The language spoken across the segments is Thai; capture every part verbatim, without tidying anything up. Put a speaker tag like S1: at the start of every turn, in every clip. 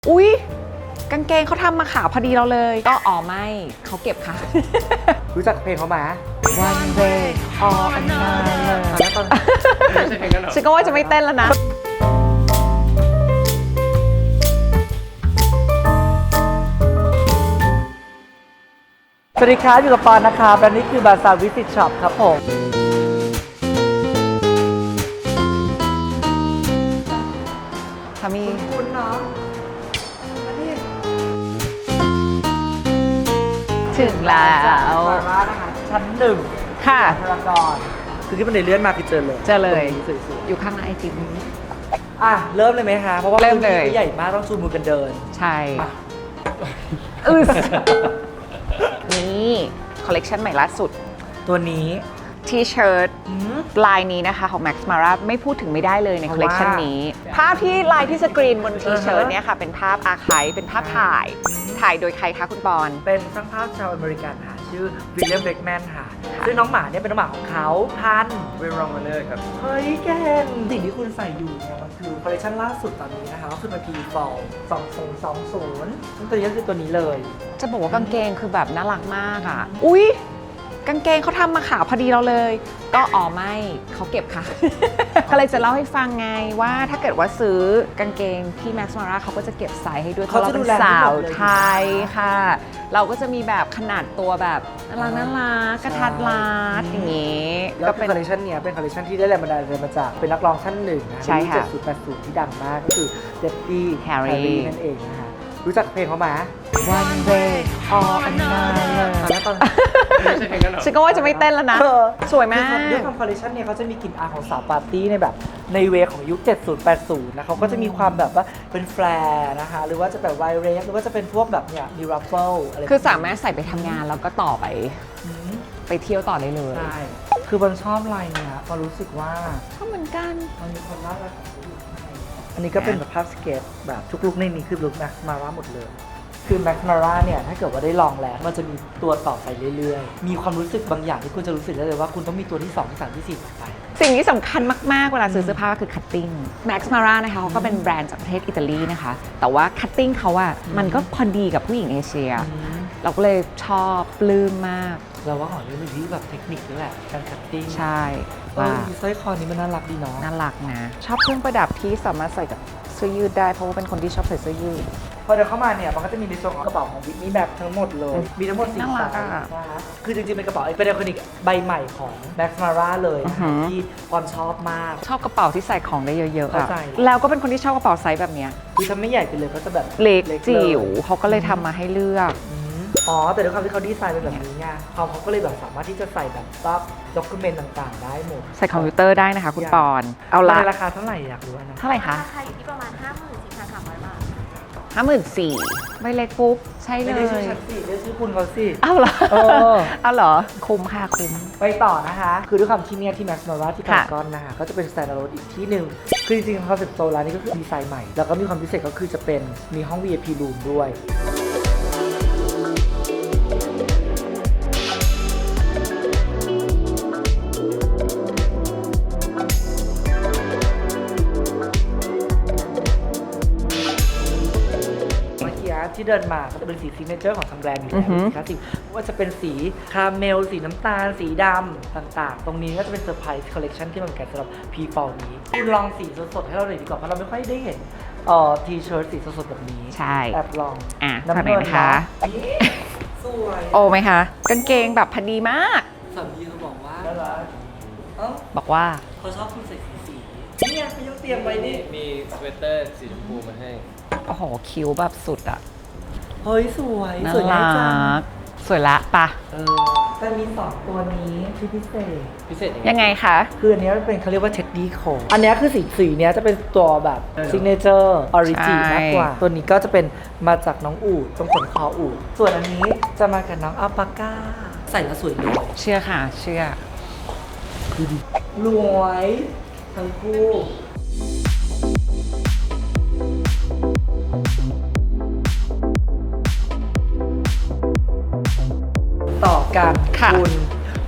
S1: อุ๊ยกางเกงเขาทำมาขาวพอดีเราเลยก็อ๋อไม่เขาเก็บค่ะ
S2: รู้จักเพลงเขาไหม
S1: One day or another
S2: แล้วตอน
S3: ไม่ใช่เพลงนั้นหรอ
S1: ฉันก็ว่าจะไม่เต้นแล้วนะ
S2: สวัสดีครับอยู่กับปอนนะครับและนี่คือบาซาร์วิสิตช็อปครับผม
S1: สามี
S2: คุณเนาะ
S1: ถึงแล้ว
S2: ซาร่านะคะชั้นหนึ่ง
S1: ค่ะ
S2: พารากอนคือที่มันได้เลื่อนมาคือเจอเลย
S1: เจอเลย
S2: ตรงนี้สวย
S1: อยู่ข้างหน้าไอจิม
S2: ๆอ่ะเริ่มเลยไหมคะเพราะว่า
S1: เริ่มเลย
S2: พื้นที่ใหญ่มากต้องชูมือกันเดิน
S1: ใช่
S2: อ่ะ
S1: อึสนี่คอลเลกชันใหม่ล่าสุด
S2: ตัวนี้
S1: ทีเชิ้ต
S2: อืม
S1: ลายนี้นะคะของ Max Mara ไม่พูดถึงไม่ได้เลยใน
S2: เพ
S1: คอ
S2: ราะ
S1: ลเลกชัน
S2: ว่า
S1: นี้ ภาพที่ลายที่สกรีนบนทีเชิ้ตเนี่ยค่ะ เป็นภาพอาร์ไคฟ์เป็นภาพถ่าย
S2: อืม
S1: ถ่ายโดยใครคะคุณปอน
S2: เป็นช่างภาพชาวอเมริกันค่ะชื่อวิลเลียมเบรกแมนค่ะซึ่งน้องหมาเนี่ยเป็นน้องหมาของเขาพันธุ์
S3: เวรองมาเลยครับ
S2: เฮ้ยแกนสิ่งที่คุณใส่อยู่เนี่ยมันคือคอลเลคชันล่าสุดตอนนี้นะคะก็คือมันพีฟอลสองศูนย์สองศูนย์ซึ่งตัวนี้ก็คือตัวนี้เลย
S1: จะบอกว่ากางเกงคือแบบน่ารักมากอ่ะ อุ๊ยกางเกงเขาทำมาขาวพอดีเราเลย ก็อ๋อไม่เขาเก็บค่ะ ก็เลยจะเล่าให้ฟังไงว่าถ้าเกิดว่าซื้อกางเกงที่ Max Mara เขาก็จะเก็บไซส์ให้ด้วยเพราะเราเป็นสาวไทยค่ะ เราก็จะมีแบบขนาดตัวแบบน่ารักน่ารักกระทัดรัดอย่างงี้
S2: แล้
S1: ก็
S2: วเป็
S1: เป็น น
S2: คอลเลคชันเนี้ยเป็นคอลเลคชันที่ได้แรงบันดาลใจมาจากเป็นนักร้องท่านหนึ่งนะ
S1: ใช่ค่ะ
S2: เจ็ดศูนย์แปดศูนย์ที่ดังมากก็คือเดดดี้
S1: Harry
S2: นั่นเองนะคะรู้จักเพลงเขาไหม
S1: One day or another
S2: แล้วตอน
S3: ไม่ใช่เพลงนั้นหรอ
S1: ฉันก็ว่าจะไม่เต้นแล้วนะ
S2: เออ
S1: สวยมาก
S2: ด้วยความคอลเลคชันเนี่ยเขาจะมีกลิ่นอายของสาวปาร์ตี้ในแบบในเวของยุค เจ็ดศูนย์ แปดศูนย์นะเขาก็จะมีความแบบว่าเป็นแฟร์นะคะ หรือว่าจะแบบไวเรสหรือว่าจะเป็นพวกแบบเนี่ยมีรัฟเฟิลอะไร
S1: คือสามารถใส่ไปทำงานแล้วก็ต่อไป
S2: อืม
S1: ไปเที่ยวต่อได้เลย
S2: ใช่คือบอลชอบลายเนี่ยพอรู้สึกว่า
S1: ชอบเหมือนกัน
S2: มันมีความน่ารักของเขาอยู่ข้างในอันนี้ก็เป็นแบบภาพสเก็ตแบบทุกลุกในนี้คือลุกแม็กซ์มาร่าหมดเลยคือแม็กซ์มาร่าเนี่ยถ้าเกิดว่าได้ลองแล้วมันจะมีตัวต่อไปเรื่อยๆ มีความรู้สึกบางอย่างที่คุณจะรู้สึกได้เลยว่าคุณต้องมีตัวที่สองที่สามที่สี่ต่อไป
S1: สิ่งที่สำคัญมาก ๆ เวลาซื้อเสื้อผ้าก็คือ cutting Max Mara นะคะเขาก็เป็นแบรนด์จากประเทศอิตาลีนะคะ แต่ว่า cutting เขาอะมันก็พอดีกับผู้หญิงเอเชีย เราก็เลยชอบปลื้มมาก
S2: เราว่าของนี้มันที่แบบเทคนิคด้วยแหละการคัตติ้ง
S1: ใช่
S2: ว่า
S1: ว่า
S2: สร้อยคอนี้มันน่ารักดีเนาะ
S1: น่ารักนะ ชอบเครื่องประดับที่สามารถใส่กับเสื้อยืดได้เพราะว่าเป็นคนที่ชอบใส่เสื้อยืด
S2: พอเดินเข้ามาเนี่ยมันก็จะมีในส่วนของกระเป๋าของวิทนี่แบบทั้งหมดเลย มีทั้งหมดสี่
S1: น่ารั
S2: ไซ
S1: ก
S2: ส์
S1: อะ
S2: นะคะคือจริงๆเป็นกระเป๋าเป็นไอคอนิกใบใหม่ของ Max Mara เลยนะ
S1: อือหื
S2: คะ
S1: อ
S2: ที่ปอนชอบมาก
S1: ชอบกระเป๋าที่ใส่ของได้เยอะๆอะ
S2: เข้าใจ
S1: แล้วก็เป็นคนที่ชอบกระเป๋าไซส์แบบเนี้ย
S2: คือถ้าไม่ใหญ่ไปเลยก็จะแบบ
S1: เล็ก
S2: ลย
S1: จิ๋วเขาก็เลยทำมาให้เลือก
S2: อืมอ๋อ แต่ด้วยความที่เขาดีไซน์เป็นแบบนี้ไงเขาเขาก็เลยแบบสามารถที่จะใส่แบบซับด็อกิเมนต์ต่างๆ ได้หมด
S1: ใส่คอมพิวเตอร์ได้นะคะคุณปอน เอาละ
S2: ในราคาเท่าไหร่อยากรู้นะ
S1: เท่าไหร่คะ
S4: ราคาอยู่ที่ประมาณ ห้าหมื่นสี่พันสามร้อย บาท
S1: ห้าหมื่นสี่ใบเล็กปุ๊บ ใช่เล
S2: ไม่ได้ชื่อย ฉันสิได้ชื่อคุณเขาสิ
S1: เอาเหรอ
S2: เออ
S1: เอาเหรอ คุ้มค่ะคุ้ม
S2: ไปต่อนะคะ คือด้วยความที่เนี่ยที่ Max Mara ที่
S1: ค่ะ
S2: พารากอนนะคะก็จะเป็น standalone อีกที่หนึ่งคือจริงๆคอนเซ็ปต์โซนร้านนี้ก็คือดีไซน์ใหม่ แล้วก็มีความพิเศษก็คือจะเป็นมีห้อง วี ไอ พี room ด้วย เมื่อกี้ที่เดินมาก็จะเป็นสีซิกเนเจอร์ของทางแบรนด์อยู่
S1: อื
S2: แล้
S1: อหือ
S2: วคลาสสิกว่าจะเป็นสีคาราเมล สีน้ำตาล สีดำต่างๆ ตรงนี้ก็จะเป็นเซอร์ไพรส์คอลเลคชันที่มันแกะสำหรับพีฟอลนี้คุณลองสีสดๆให้เราหน่อยดีกว่าเพราะเราไม่ค่อยได้เห็นเอ่อทีเชิ้ตสีสดๆแบบนี้
S1: ใช่
S2: แอบลอง
S1: อ่ะ
S2: น้ำ
S1: ฝั่งไหน
S2: เงิน
S1: นะคะ
S2: นี่สวย
S1: โอไหมคะ กางเกงแบบพอดีมาก
S2: สามีเขาบอกว่าน่ารักเอ้า
S1: บอกว่า
S2: เขาชอบคุณใส่สีสีๆเนี่ยเขายกเตรียมไว้นี่
S3: มีสเวตเตอร์สีชมพูมาให้
S1: โอ้โห คิ้วแบบสุดอะ
S2: เฮ้ยสวย
S1: น่า
S2: สวย
S1: รั
S2: มากจัง
S1: ก สวยละปะ
S2: เออแต่มีสองตัวนี้ที่พิเศษ
S3: พิเศษยังไง
S1: ยังไงคะ
S2: คืออันเนี้ยมันเป็นเขาเรียกว่าเท็ดดี้โคอันเนี้ยคือสีสีเนี้ยจะเป็นตัวแบบ
S3: เออ
S2: ซิกเนเจอร์ออริจิ
S1: ใช่
S2: มากกว่า ตัวนี้ก็จะเป็นมาจากน้องอูดตรงขนคออูดส่วนอันนี้จะมากับน้องอัลปาก้า ใส่แล้วสวยเลย
S1: เชื่อค่ะ เชื่อ
S2: คือดีรวยทั้งคู่ต่อกัน
S1: ค่ะ
S2: คุณ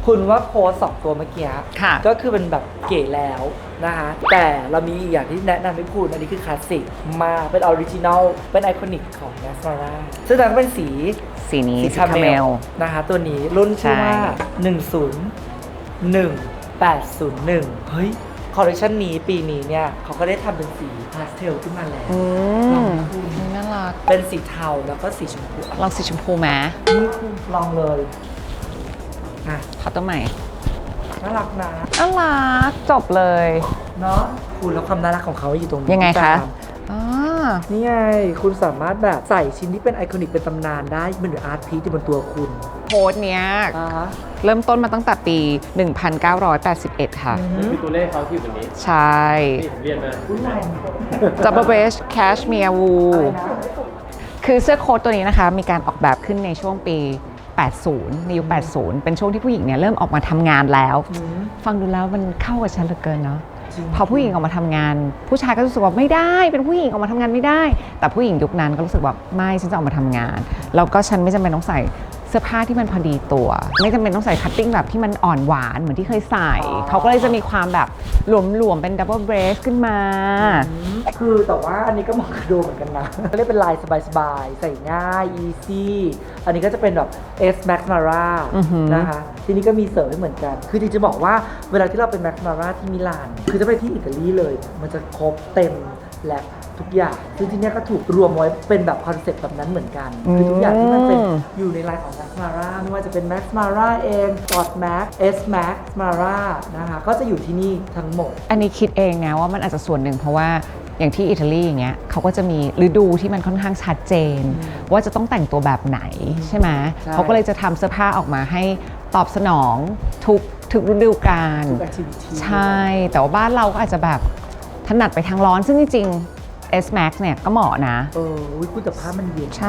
S2: คุณว่าโพสสองตัวเมื่อกี้
S1: ค่ะ
S2: ก็คือเป็นแบบเก๋แล้วนะคะแต่เรามีอีกอย่างที่แนะนำให้คุณอันนี้คือคลาสสิกมากเป็นออริจินอลเป็นไอคอนิกของ Mascara ซึ่งนั้นเป็นสี
S1: สีนี้
S2: สี
S1: สี
S2: คา
S1: คา
S2: เม
S1: เม
S2: ล
S1: ล
S2: นะคะตัวนี้รุ่นชื่อว่า
S1: ใช่
S2: หนึ่ง ศูนย์ หนึ่ง แปด ศูนย์ หนึ่ง เฮ้ย คอลเลคชันนี้ปีนี้เนี่ยเขาก็ได้ทำเป็นสีพาสเทลขึ้นมาแล้ว
S1: อื
S2: ลอง
S1: ม
S2: นะคุณ
S1: น่ารัก
S2: เป็นสีเทาแล้วก็สีชมพู
S1: ลองสีชมพูไหม
S2: นี่คุณลองเลยอ่ะ
S1: ขอตัวใหม่
S2: น่ารักนะ
S1: น่ารักจบเลย
S2: เนาะคุณแล้วความน่ารักของเขาอยู่ตรงนี้
S1: ยังไงคะ
S2: ตาม
S1: อ๋อ
S2: นี่ไง คุณสามารถแบบใส่ชิ้นที่เป็นไอคอนิกเป็นตำนานได้เป็นหรืออาร์ตพีซที่บนตัวคุณ
S1: โพสต์เนี้ย
S2: อ่าฮะ
S1: เริ่มต้นมาตั้งแต่ปี หนึ่งพันเก้าร้อยแปดสิบเอ็ด ค่ะ
S3: นี่คือตัวเลขเขาที่อยู่บนนี้
S1: ใช่
S3: นี่ผมเรียนมา
S2: อุ้ยลาย
S1: Double Base Cashmere
S2: อะไร
S1: Wool
S2: นะ
S1: คือเสื้อโค้ทตัวนี้นะคะ มีการออกแบบขึ้นในช่วงปี แปดสิบ ในยุค แปดสิบ เป็นช่วงที่ผู้หญิงเนี่ยเริ่มออกมาทำงานแล้ว
S2: อืม
S1: ฟังดูแล้วมันเข้ากับฉันเหลือเกินเนาะ
S2: จริง
S1: พอผู้หญิงออกมาทำงาน ผู้ชายก็รู้สึกว่าไม่ได้ เป็นผู้หญิงออกมาทำงานไม่ได้ แต่ผู้หญิงยุคนั้นก็รู้สึกว่าไม่ฉันจะออกมาทำงาน แล้วก็ฉันไม่จำเป็นต้องใส่เสื้อผ้าที่มันพอดีตัว ไม่จำเป็นต้องใส่คัตติ้งแบบที่มันอ่อนหวานเหมือนที่เคยใส่ เขาก็เลยจะมีความแบบหลวมๆเป็นดับเบิลเบรสขึ้นมา
S2: คือแต่ว่าอันนี้ก็เหมาะกับโดเหมือนกันนะเรียกเป็นลายสบายๆ ใส่ง่าย easy อันนี้ก็จะเป็นแบบ S Max Mara
S1: อือหือ
S2: นะคะ ทีนี้ก็มีเสริมให้เหมือนกัน คือจริงๆจะบอกว่าเวลาที่เราเป็น Max Mara ที่มิลาน คือจะไปที่อิตาลีเลย มันจะครบเต็มและทุกอย่างซึ่งที่เนี้ยก็ถูกรวมไว้เป็นแบบคอนเซ็ปต์แบบนั้นเหมือนกัน คือทุกอย่างที่มันเป็นอยู่ในลายของ Max Mara ไม่ว่าจะเป็น Max Mara เอง Sport Max S Max Mara นะคะ ก็จะอยู่ที่นี่ทั้งหมด
S1: อันนี้คิดเองนะว่ามันอาจจะส่วนหนึ่งเพราะว่าอย่างที่อิตาลีอย่างเงี้ยเขาก็จะมีฤดูที่มันค่อนข้างชัดเจน ว่าจะต้องแต่งตัวแบบไหนใช่ไหม
S2: ใช่
S1: เขาก็เลยจะทำเสื้อผ้าออกมาให้ตอบสนองทุกทุกฤดูกาล
S2: ทุก activity
S1: ใช่ แต่ว่าบ้านเราก็อาจจะแบบถนัดไปทางร้อน ซึ่งจริงๆ S Max เนี่ยก็เหมาะนะ
S2: เอออุ๊ยคุณแต่ผ้ามันเย็น
S1: ใช่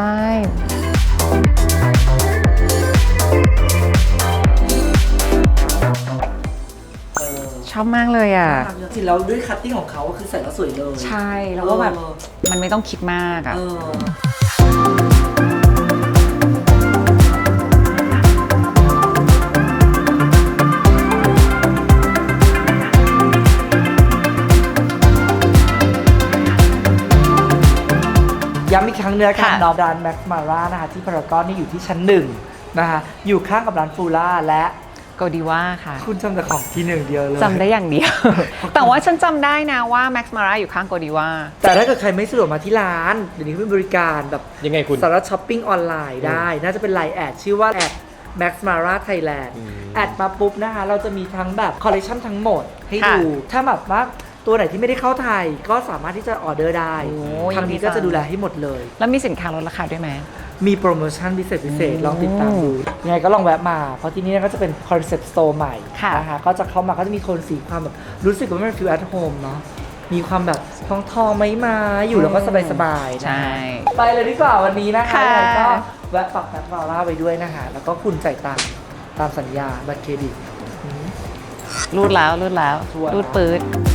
S2: เออ
S1: ชอบมากเลยอ่ะ
S2: จริงแล้วด้วยคัตติ้งของเขาก็คือใส่แล้วสวยเลย
S1: ใช่ แล้วก็แบบ
S2: เออ
S1: มันไม่ต้องคิดมากอ่ะ
S2: เออย้ำอีกครั้งเนื้อค่ะ
S1: ค่ะ
S2: นอร้านแม็กมาร่านะคะที่พารากอนนี่อยู่ที่ชั้นหนึ่งนะคะอยู่ข้างกับร้านฟูล่าและ
S1: โกดีว่าค่ะ
S2: คุณจำแต่ของที่หนึ่งเดียวเลย
S1: จำได้อย่างเดียว แต่ว่าฉันจำได้นะว่า Max Mara อยู่ข้างโกดีว่า
S2: แต่ถ้าเกิดใครไม่สะดวกมาที่ร้าน เดี๋ยวนี้เขาเป็นบริการแบบ
S3: ยังไงคุณ
S2: สามารถช้อปปิ้งออนไลน์ได้ น่าจะเป็นไลน์แอดชื่อว่าแอด Max Mara Thailand
S3: อืม
S2: แอดมาปุ๊บนะคะ เราจะมีทั้งแบบคอลเลคชันทั้งหมดให้
S1: ค่ะ
S2: ดู ถ้าแบบว่าตัวไหนที่ไม่ได้เข้าไทย ก็สามารถที่จะออเดอร์ได้
S1: โอ้
S2: ทางนี้
S1: ยินดี
S2: ก็
S1: จั
S2: จะ
S1: ง
S2: ดูแลให้หมดเลย
S1: แล้วมีสินค้าลดราคาด้วยไหม
S2: มีโปรโมชั่นพิเศษพิเศษ
S1: อืม
S2: ลองติดตามดู ยังไงก็ลองแวะมา เพราะที่นี่ก็จะเป็นคอนเซ็ปต์สโตร์ใหม่
S1: ค่ะ
S2: นะคะก็จะเข้ามาก็จะมีโทนสีความแบบรู้สึกว่ามันฟีลแอทโฮมเนาะมีความแบบทองทองๆไม้ไม้อยู่แล้วก็สบายๆนะ
S1: ใช่
S2: ไปเลยดีกว่าวันนี้นะคะ
S1: ค่ะ
S2: ยังไงก็แวะปักแม็กมาร่าไปด้วยนะคะ แล้วก็คุณจ่ายตังค์ตามสัญญาบัตรเครดิตอืม
S1: รูดแล้วรูดแล้ว
S2: ชัวร์นะ
S1: รูดปืด